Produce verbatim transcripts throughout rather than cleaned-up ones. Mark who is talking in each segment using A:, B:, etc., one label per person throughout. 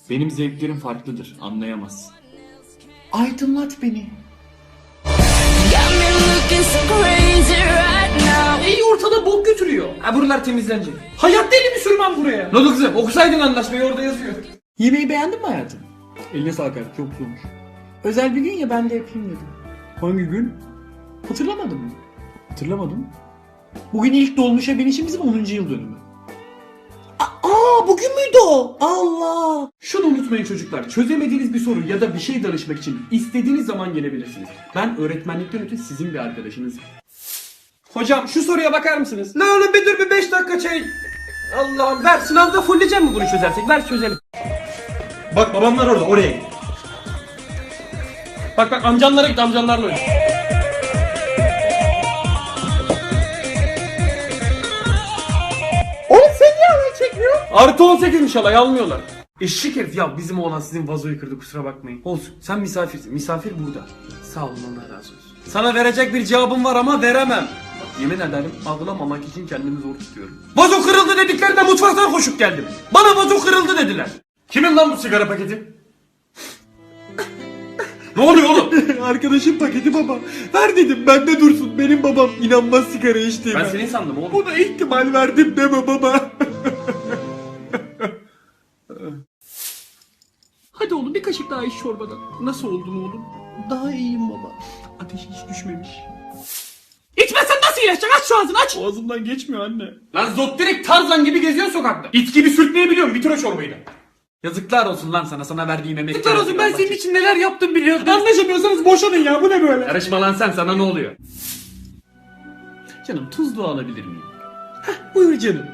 A: Benim zevklerim farklıdır, anlayamaz.
B: Aydınlat beni.
C: İyi ortada bok götürüyor. Ha buralar temizlenecek. Hayatta elimi sürmem buraya. Ne oldu kızım? Okusaydın anlaşmayı, orada yazıyor.
B: Yemeği beğendin mi hayatım?
A: Eline sağlık hayatım, çok güzel olmuş.
B: Özel bir gün ya, ben de yapayım dedim.
A: Hangi gün?
B: Hatırlamadın mı?
A: Hatırlamadım.
B: Bugün ilk dolmuşa binişimizin onuncu yıl dönümü. Aa, bugün müydü o? Allah!
A: Şunu unutmayın çocuklar, çözemediğiniz bir soru ya da bir şey danışmak için istediğiniz zaman gelebilirsiniz. Ben öğretmenlikten öte sizin bir arkadaşınızım.
C: Hocam şu soruya bakar mısınız? Ne oğlum bir dur bir beş dakika çay. Allah'ım ver, sınavda fulleyeceğim mi bunu çözersek? Ver çözelim. Bak babamlar orada, oraya git. Bak bak amcanlara git, amcanlarla oyna.
B: Oğlum sen niye alay çekmiyor?
C: Artı on sekizmiş alay, almıyorlar. Eşek herif ya, bizim oğlan sizin vazoyu kırdı, kusura bakmayın. Olsun, sen misafirsin, misafir burada. Sağ olun, Allah razı olsun. Sana verecek bir cevabım var ama veremem. Yemin ederim ağlamamak için kendimi zor tutuyorum. Vazo kırıldı dediklerinde mutfaktan koşup geldim. Bana vazo kırıldı dediler. Kimin lan bu sigara paketi? Ne oluyor oğlum?
B: Arkadaşım paketi baba. Ver dedim, bende dursun. Benim babam inanmaz sigara içtiğime.
C: Ben seni sandım oğlum.
B: Buna ihtimal verdim deme baba.
C: Hadi oğlum bir kaşık daha iç çorbadan. Nasıl oldun oğlum?
B: Daha iyiyim baba.
C: Ateş hiç düşmemiş. İçmezsen nasıl iyileşecek? Aç şu ağzını aç.
B: Boğazımdan geçmiyor anne.
C: Lan zot direkt Tarzan gibi geziyor sokakta. İt gibi sürtmeyebiliyorum. Bitir o çorbayı da. Yazıklar olsun lan sana, sana verdiğim emek. Yazıklar olsun, ben senin için neler yaptım biliyorsun.
B: Anlaşamıyorsanız boşanın ya, bu ne böyle?
C: Karışma lan sen, sana ne oluyor? Canım tuzlu alabilir miyim?
B: Buyur canım.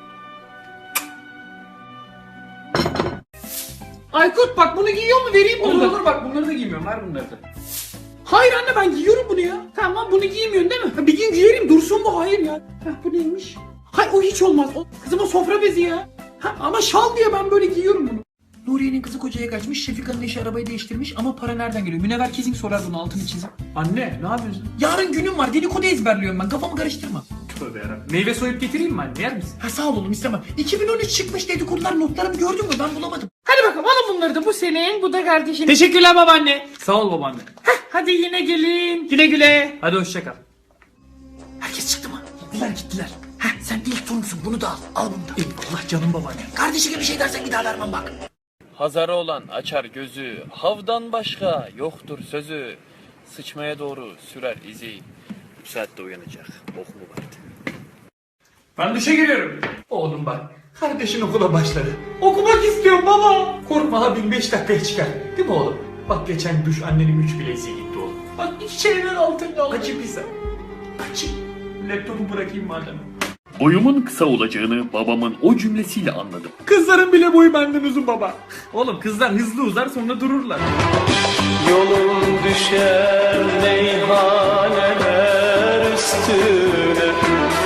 C: Aykut bak bunu giyiyor mu, vereyim bunu. Olur olur bak bunları da giymiyorum, ver bunları da. Hayır anne ben giyiyorum bunu ya. Tamam bunu giymiyorsun değil mi? Ha, bir gün giyerim dursun bu, hayır ya. Heh, bu neymiş? Hayır o hiç olmaz. O, kızım o sofra bezi ya. Ha, ama şal diye ben böyle giyiyorum bunu. Nuriye'nin kızı kocaya kaçmış, Şefika'nın eşi arabayı değiştirmiş ama para nereden geliyor? Münevver kesin sorar bunu, altını çizim. Anne ne yapıyorsun? Yarın günüm var, dedikodu ezberliyorum ben, kafamı karıştırma. Tövbe yarabbim. Meyve soyup getireyim mi anne, yer misin? Ha sağ ol oğlum, istemem. iki bin on üç çıkmış dedikodular, notlarımı gördün mü, ben bulamadım. Hadi bakalım alın bunları da, bu senin, bu da kardeşin. Teşekkürler babaanne. Sağ ol babaanne. Heh, hadi yine gelin. Güle güle. Hadi hoşça kal. Herkes çıktı mı? Gittiler gittiler. Heh, sen ilk torunsun, bunu da al. Al bunu da. Eyvallah canım babaanne. Kardeşi gibi bir şey dersen bir daha vermem bak.
D: Hazarı olan açar gözü, havdan başka yoktur sözü. Sıçmaya doğru sürer izi, bu saatte uyanacak, bok mu vardı?
C: Ben duşa giriyorum. Oğlum bak, kardeşin okula başladı. Okumak istiyorum baba. Korkma abim beş dakikaya çıkar. Değil mi oğlum? Bak geçen duş annenin üç bileziği gitti oğlum. Bak iki şeyler altında oldu. Açıp ise. Açıp. Laptopu bırakayım madem.
D: Boyumun kısa olacağını babamın o cümlesiyle anladım.
C: Kızların bile boyu benden uzun baba. Oğlum kızlar hızlı uzar sonra dururlar.
E: Yolun düşer meyhaneler üstüne.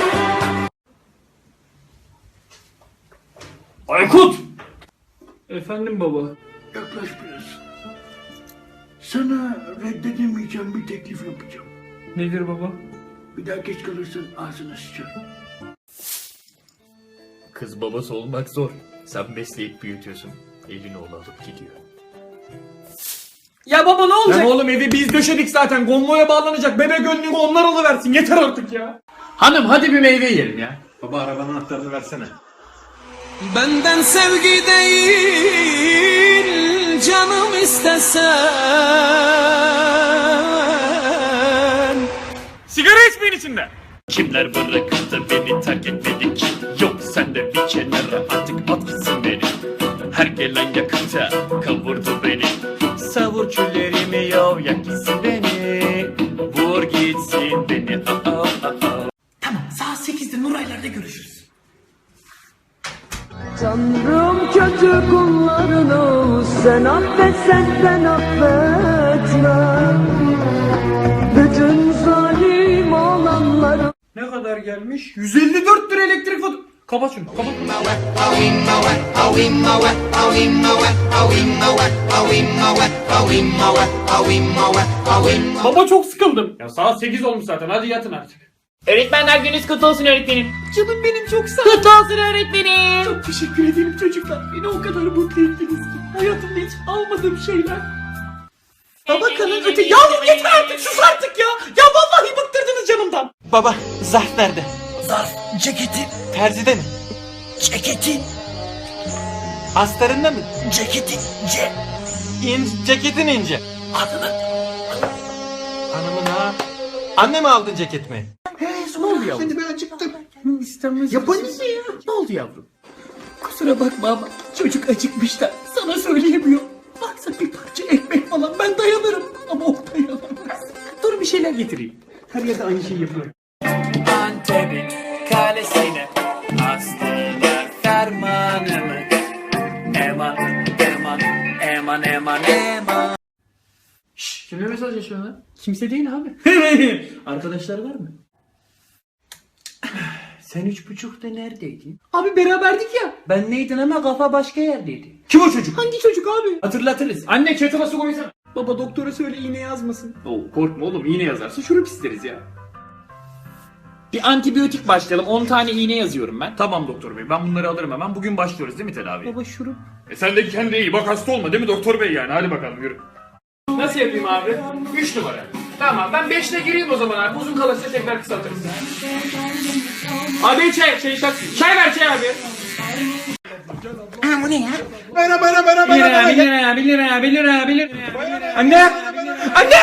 C: Aykut! Efendim baba.
F: Yaklaş biraz. Sana reddedemeyeceğim bir teklif yapacağım.
C: Nedir baba?
F: Bir daha geç kalırsan ağzına sıçarım.
D: Kız babası olmak zor. Sen besleyip büyütüyorsun. Elini oğlu alıp gidiyor.
C: Ya baba ne olacak? Ya oğlum evi biz döşedik zaten. Gonmoya bağlanacak. Bebe gönlünü onlar alıversin. Yeter artık ya. Hanım hadi bir meyve yiyelim ya.
A: Baba arabanın anahtarını versene.
E: Benden sevgi değil canım istesen.
C: Sigara içmeyin içinde.
D: Kimler bırakıp da beni terk etmedik? Yok sen de bir kenara artık at gitsin beni. Her gelen yakıta kavurdu beni. Savur küllerimi yav yak gitsin beni. Vur gitsin beni. Aa, aa, aa.
C: Tamam saat sekizde Nuraylar'da görüşürüz.
G: Tanrım kötü kullarını sen affetsen ben affetmem. Bütün zalim olanları.
C: Ne kadar gelmiş? yüz elli dört lira elektrik faturası. Kapat şunu kapat. Baba çok sıkıldım. Ya saat sekiz olmuş zaten, hadi yatın artık. Öğretmenler gününüz kutlu olsun öğretmenim. Canım benim çok sağ ol. Kutlu olsun öğretmenim. Çok teşekkür ederim çocuklar. Beni o kadar mutlu ettiniz ki. Hayatımda hiç almadığım şeyler. Babakanın öte... Ya yeter artık, sus artık ya. Ya vallahi bıktırdınız canımdan.
B: Baba zarf nerede?
H: Zarf, ceketi,
B: Terzide mi?
H: ceketi,
B: Astarında mı?
H: ceketi, ce...
B: İn, ceketin ince.
H: Adını...
B: Hanımın ha. Anne mi aldın ceketimi?
C: Ne oldu yavrum?
F: Hadi ben acıktım.
C: İstemez. Yapanız ya. Ne oldu yavrum? Kusura bakma ama çocuk acıkmış da sana söyleyemiyor. Baksa bir parça ekmek falan ben dayanırım ama o dayanamaz. Dur bir şeyler getireyim.
A: Her yerde aynı şeyi yapıyorum.
D: Antep'in kalesine astılar fermanımı. Eman, eman, eman, eman, eman.
C: Şşş, kimle mesaj yaşıyor lan? Kimse değil abi. Arkadaşlar var mı?
B: Sen üç buçukta neredeydin?
C: Abi beraberdik ya.
B: Ben neydin ama kafa başka yerdeydi.
C: Kim o çocuk? Hangi çocuk abi? Hatırlatırız. Anne çatıma su koysana. Baba doktora söyle iğne yazmasın. Oo, korkma oğlum, iğne yazarsa şurup isteriz ya. Bir antibiyotik başlayalım. on tane iğne yazıyorum ben.
D: Tamam doktor bey, ben bunları alırım hemen. Bugün başlıyoruz değil mi tedaviye?
C: Baba şurup.
D: E sen de kendine iyi bak, hasta olma değil mi doktor bey yani? Hadi bakalım yürü.
C: Nasıl yapayım abi? üç numara. Tamam ben beşle gireyim o zaman abi. Uzun kalırsa tekrar kısaltırız. Abi çay, şey şak. Çay ver çay abi.
H: Ha bu ne ya?
F: Bana bana bana
C: bir lira, bir lira, bir lira, bir lira, bir lira. Anne! Anne!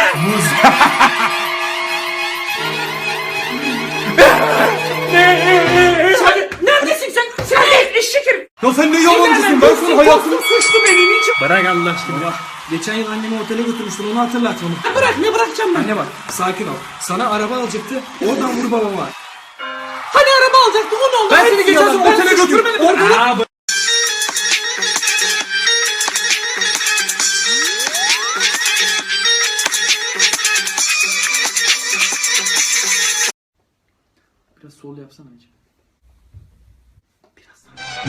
C: Sen, neredesin sen? Sen ne? Eşek herif!
A: Ya sen ne yalancısın? Ben sana hayatımı...
C: Suçlu benim için.
A: Bırak Allah aşkına. Geçen yıl annemi otele götürmüştün, onu hatırlat onu.
C: Bırak, ne bırakacağım ben?
A: Anne bak, sakin ol. Sana araba alacaktı, oradan vur babama.
C: Hani araba alacaktı, o ne oldu?
A: Ben seni geçen sene otele götürmedim.
C: Orada
A: Aa, bu-
C: Biraz sol yapsana önce. Biraz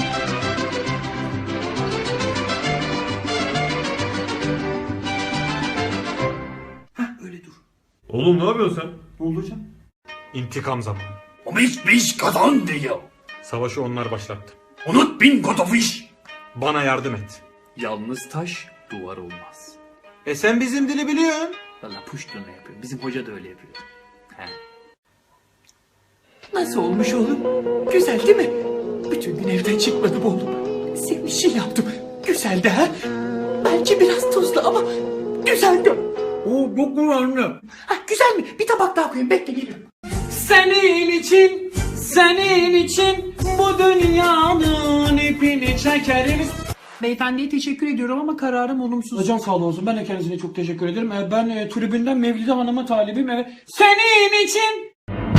A: Öyle dur.
I: Oğlum ne yapıyorsun sen?
A: Ne oldu hocam?
I: İntikam zamanı.
E: O biş biş kazan diyor.
I: Savaşı onlar başlattı.
E: Unut bin kotofiş.
I: Bana yardım et.
C: Yalnız taş duvar olmaz.
B: E sen bizim dili biliyorsun.
C: Valla puştunu yapıyor. Bizim hoca da öyle yapıyor. He. Nasıl olmuş oğlum? Güzel değil mi? Bütün gün evden çıkmadım oğlum. Senin için yaptım. Güzeldi ha? Belki biraz tuzlu ama güzeldi. Oo çok güzeldi. Ha, güzel mi? Bir tabak daha koyayım. Bekle geliyorum. Senin için, senin için bu dünyanın ipini çekeriz. Beyefendiye teşekkür ediyorum ama kararım olumsuz.
A: Hocam sağ olsun, ben de kendisine çok teşekkür ederim. Ee, Ben e, tribünden Mevlide Hanım'a talibim. Evet.
C: Senin için.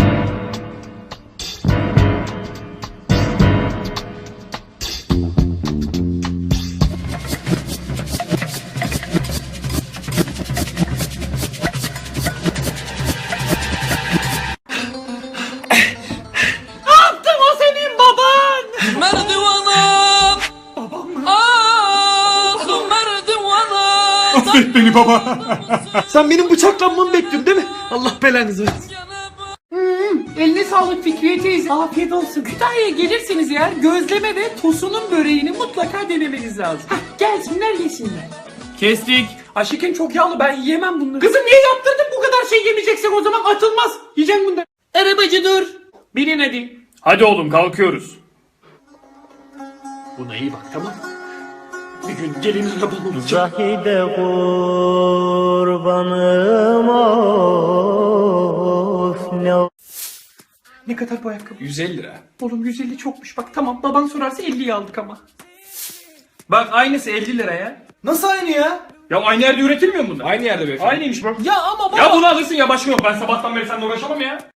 C: Ne yaptın, o senin baban?
E: Merdivana. Babam mı? Ah merdivana.
A: Affet beni baba. Sen benim bıçaklanmamı bekliyorsun değil mi? Allah belanızı versin.
C: Hmm, eline sağlık Fikriye teyze. Afiyet olsun. Kütahya'ya gelirseniz eğer gözleme ve tosunun böreğini mutlaka denemeniz lazım. Hah, gelsinler yesinler. Kestik. Aşıkın çok yağlı, ben yiyemem bunları. Kızım niye yaptırdın, bu kadar şey yemeyeceksen o zaman atılmaz. Yiyeceğim bunları. Arabacı dur. Binin hadi.
D: Hadi oğlum kalkıyoruz.
C: Buna iyi bak, tamam mı? Bir gün gelin arabam olacak.
G: Zahide kurbanım of ne
C: Ne kadar bu ayakkabı? yüz elli lira. Oğlum yüz elli çokmuş, bak tamam, baban sorarsa elliye aldık ama. Bak aynısı elli lira ya.
A: Nasıl aynı ya?
D: Ya aynı yerde üretilmiyor mu bunlar?
C: Aynı yerde beyefendi.
D: Aynıymış bak.
C: Ya ama baba.
D: Ya bunu alırsın ya, başka yok. Ben sabahtan beri seninle uğraşamam ya.